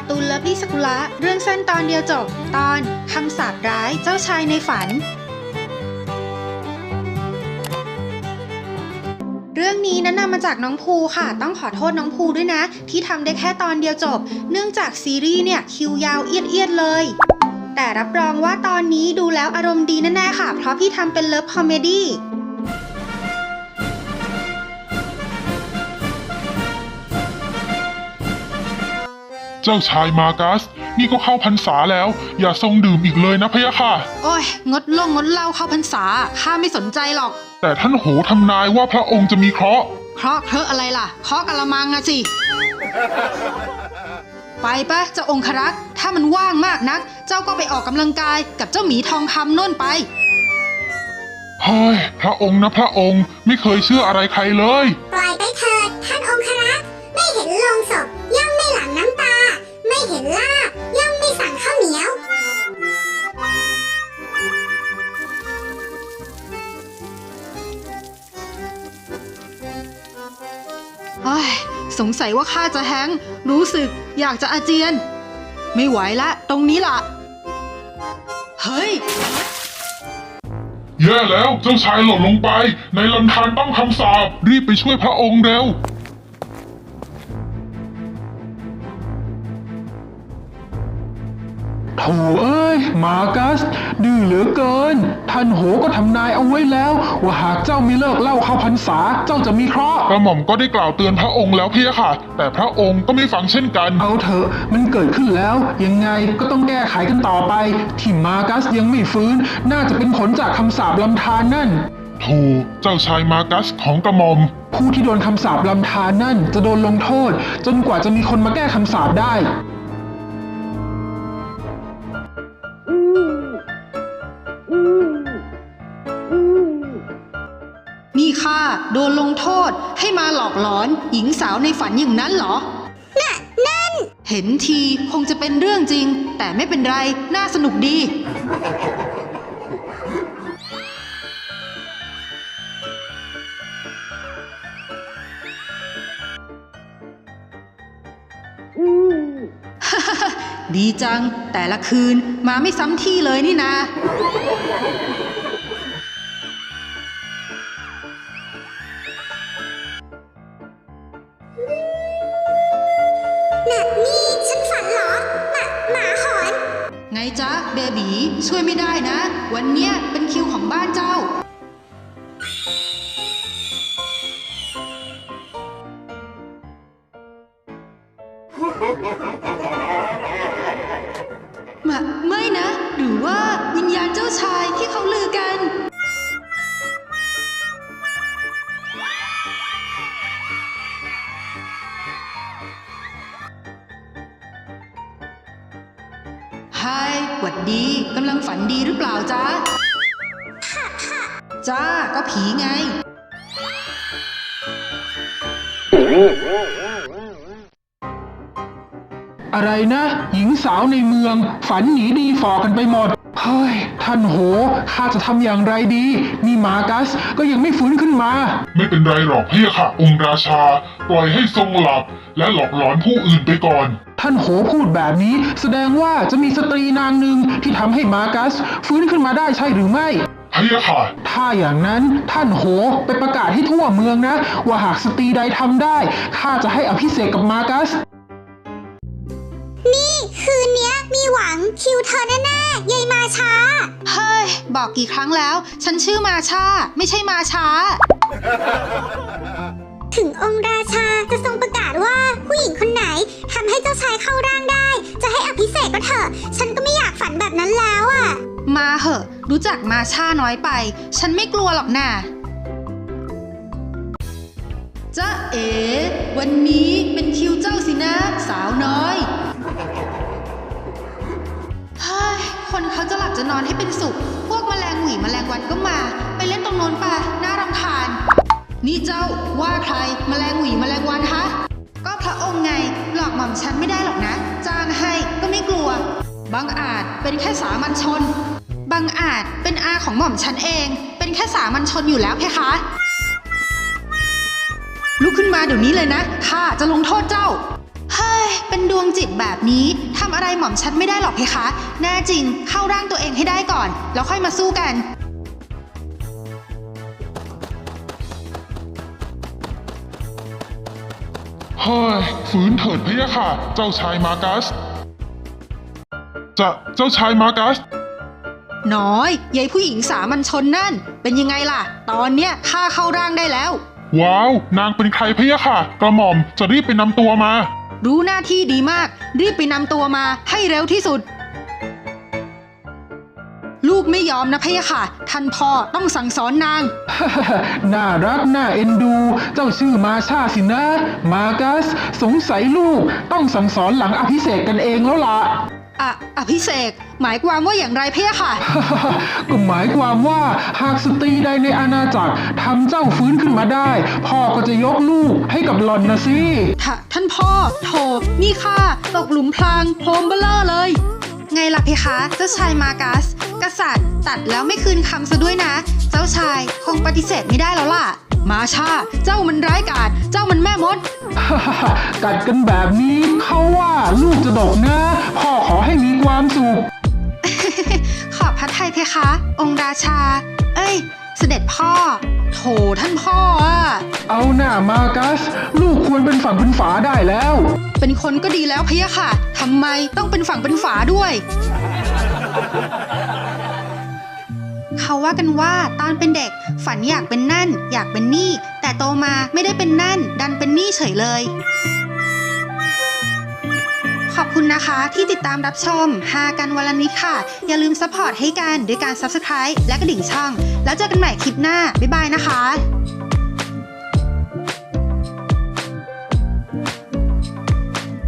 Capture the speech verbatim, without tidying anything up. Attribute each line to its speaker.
Speaker 1: การ์ตูนเลิฟลี่สกุละเรื่องสั้นตอนเดียวจบตอนคำสาปร้ายเจ้าชายในฝันเรื่องนี้นั้นนำมาจากน้องภูค่ะต้องขอโทษน้องภูด้วยนะที่ทำได้แค่ตอนเดียวจบเนื่องจากซีรีส์เนี่ยคิวยาวเอียดๆเลยแต่รับรองว่าตอนนี้ดูแล้วอารมณ์ดีแน่ๆค่ะเพราะพี่ทำเป็นเลิฟคอมเมดี้
Speaker 2: เจ้าชายมากัสนี่ก็เข้าพรรษาแล้วอย่าทรงดื่มอีกเลยนะพะยะค่ะ
Speaker 1: โอ้ยงดลงงดเหล้าเข้าพรรษาข้าไม่สนใจหรอก
Speaker 2: แต่ท่านโหทำนายว่าพระองค์จะมีเคราะห์
Speaker 1: เคราะห์เคราะห์อะไรล่ะเคราะห์กะละมังอะสิไปปะเจ้าองครักษ์ถ้ามันว่างมากนักเจ้าก็ไปออกกำลังกายกับเจ้าหมีทองคำโน่นไป
Speaker 2: เฮ้ยพระองค์นะพระองค์ไม่เคยเชื่ออะไรใครเลย
Speaker 3: ปล่อยไปเถิดท่านองครักษ์ไม่เห็นโลงศพย่อมไม่หลั่งน้ำตาไม่เห็นลาบย่อมไม่สั่งข้าวเหนียว
Speaker 1: เฮ้ยสงสัยว่าข้าจะแฮงก์รู้สึกอยากจะอาเจียนไม่ไหวละตรงนี้ล่ะเฮ้ย
Speaker 2: แย่แล้วเจ้าชายหล่นลงไปในลำธารต้องคำสาปรีบไปช่วยพระองค์เร็ว
Speaker 4: โถ่เอ้ยมากัสดื้อเหลือเกินท่านโหก็ทำนายเอาไว้แล้วว่าหากเจ้าไม่เลิกเล่าเข้าพรรษาเจ้าจะมีเคราะห์
Speaker 2: กระหม่อมก็ได้กล่าวเตือนพระองค์แล้วพี่ค่ะแต่พระองค์ก็ไม่ฟังเช่นกัน
Speaker 4: เอาเถอะมันเกิดขึ้นแล้วยังไงก็ต้องแก้ไขกันต่อไปที่มากัสยังไม่ฟื้นน่าจะเป็นผลจากคำสาปลำธารนั่น
Speaker 2: ถูกเจ้าชายมากัสของกระหม่อม
Speaker 4: ผู้ที่โดนคำสาปลำธารนั่นจะโดนลงโทษจนกว่าจะมีคนมาแก้คำสาปได้
Speaker 1: นี่ข้าโดนลงโทษให้มาหลอกหลอนหญิงสาวในฝันอย่างนั้นเหรอน่ะนั่นเห็นทีคงจะเป็นเรื่องจริงแต่ไม่เป็นไรน่าสนุกดีดีจังแต่ละคืนมาไม่ซ้ำที่เลยนี่นะ
Speaker 3: น่ะนี่ฉันฝันเหรอหมาหมาหอน
Speaker 1: ไงจ๊ะเบบีช่วยไม่ได้นะวันเนี้ยเป็นคิวของบ้านเจ้ามาไม่นะหรือว่าวิญญาณเจ้าชายที่เขาลือกันไฮหวัดดีกำลังฝันดีหรือเปล่าจ๊ะจ้าก็ผีไง
Speaker 4: อะไรนะหญิงสาวในเมืองฝันหนีดีฝ่อกันไปหมดเฮ้ยท่านโหข้าจะทำอย่างไรดีนี่มากัสก็ยังไม่ฟื้นขึ้นมา
Speaker 2: ไม่เป็นไรหรอกพี่ค่ะองค์ราชาปล่อยให้ทรงหลับและหลอกหลอนผู้อื่นไปก่อน
Speaker 4: ท่านโหพูดแบบนี้แสดงว่าจะมีสตรีนางหนึ่งที่ทำให้มากัสฟื้นขึ้นมาได้ใช่หรือไม่
Speaker 2: พี่ค่ะ
Speaker 4: ถ้าอย่างนั้นท่านโหไปประกาศให้ทั่วเมืองนะว่าหากสตรีใดทำได้ข้าจะให้อภิเษกกับมากัส
Speaker 3: นี่คืนเนี้ยมีหวังคิวเธอแน่ๆยายมาช้า
Speaker 1: เฮ้ยบอกกี่ครั้งแล้วฉันชื่อมาชาไม่ใช่มาช้า
Speaker 3: ถึงองค์ราชาจะทรงประกาศว่าผู้หญิงคนไหนทำให้เจ้าชายเข้าร่างได้จะให้อภิเษกก็เถอะฉันก็ไม่อยากฝันแบบนั้นแล้วอ่ะ
Speaker 1: มาเหอะรู้จักมาชาน้อยไปฉันไม่กลัวหรอกน่ะจ๊ะเอ๋วันนี้เป็นคิวเจ้าสินะสาวน้อยเฮ้ยคนเขาจะหลับจะนอนให้เป็นสุขพวกแมลงหวีแมลงวันก็มาไปเล่นตรงโน้นป่ะน่ารำคาญนี่เจ้าว่าใครแมลงหวีแมลงวันฮะก็พระองค์ไงหลอกหม่อมฉันไม่ได้หรอกนะจ้างให้ก็ไม่กลัวบางอาจเป็นแค่สามัญชนบางอาจเป็นอาของหม่อมฉันเองเป็นแค่สามัญชนอยู่แล้วเพคะลุกขึ้นมาเดี๋ยวนี้เลยนะข้าจะลงโทษเจ้าเฮ้ยเป็นดวงจิตแบบนี้ทำอะไรหม่อมฉันไม่ได้หรอกเพคะ แน่จริงเข้าร่างตัวเองให้ได้ก่อน แล้วค่อยมาสู้กัน
Speaker 2: เฮ้ยฝืนเถิดพะยะค่ะ เจ้าชายมากัส จะเจ้าชายมากัส
Speaker 1: น้อยยายผู้หญิงสามัญชนนั่น เป็นยังไงล่ะ ตอนเนี้ยข้าเข้าร่างได้แล้ว
Speaker 2: ว้าว นางเป็นใครพะยะค่ะ กระหม่อมจะรีบไปนำตัวมา
Speaker 1: รู้หน้าที่ดีมาก รีบไปนำตัวมาให้เร็วที่สุด ลูกไม่ยอมนะพะยะค่ะ ท่านพ่อต้องสั่งสอนนาง
Speaker 4: น่ารักน่าเอ็นดู เจ้าชื่อมาชาสินะ มากัส สงสัยลูกต้องสั่งสอนหลังอภิเษกกันเองแล้วล่ะ
Speaker 1: อะอภิเษกหมายความว่าอย่างไรพะยะค่ะ
Speaker 4: ก็หมายความว่าหากสตรีใดในอาณาจักรทำเจ้าฟื้นขึ้นมาได้ พ่อก็จะยกลูกให้กับหล่อนนะสิ
Speaker 1: ท่าท่านพ่อโถนี่ข้าตกหลุมพรางโครมเบลเลอร์เลย ไงล่ะเพคะ เจ้าชายมากัส กษัตริย์ตัดแล้วไม่คืนคำซะด้วยนะ เจ้าชายคงปฏิเสธไม่ได้แล้วล่ะ มาชา เจ้ามันร้ายกาจเจ้ามันแม่มด
Speaker 4: กัดกันแบบนี้เขาว่าลูกจะดกนะ พ่อขอให้มีความสุข
Speaker 1: ขอบพระทัยเพคะ องค์ราชา เอ้ย เสด็จพ่อ โถท่านพ่ออะ
Speaker 4: เอาหน้ามากัส ลูกควรเป็นฝั่งเป็นฝาได้แล้ว
Speaker 1: เป็นคนก็ดีแล้วพะยะค่ะทำไมต้องเป็นฝั่งเป็นฝาด้วย เขาว่ากันว่าตอนเป็นเด็กฝันอยากเป็นนั่น อยากเป็นนี่ แต่โตมาไม่ได้เป็นนั่น ดันเป็นนี่เฉยเลย ขอบคุณนะคะที่ติดตามรับชมฮากันวันละนิดค่ะ อย่าลืมซัพพอร์ตให้กันด้วยการ ซับสไครบ์ และกระดิ่งช่อง แล้วเจอกันใหม่คลิปหน้า บ๊ายบายนะคะ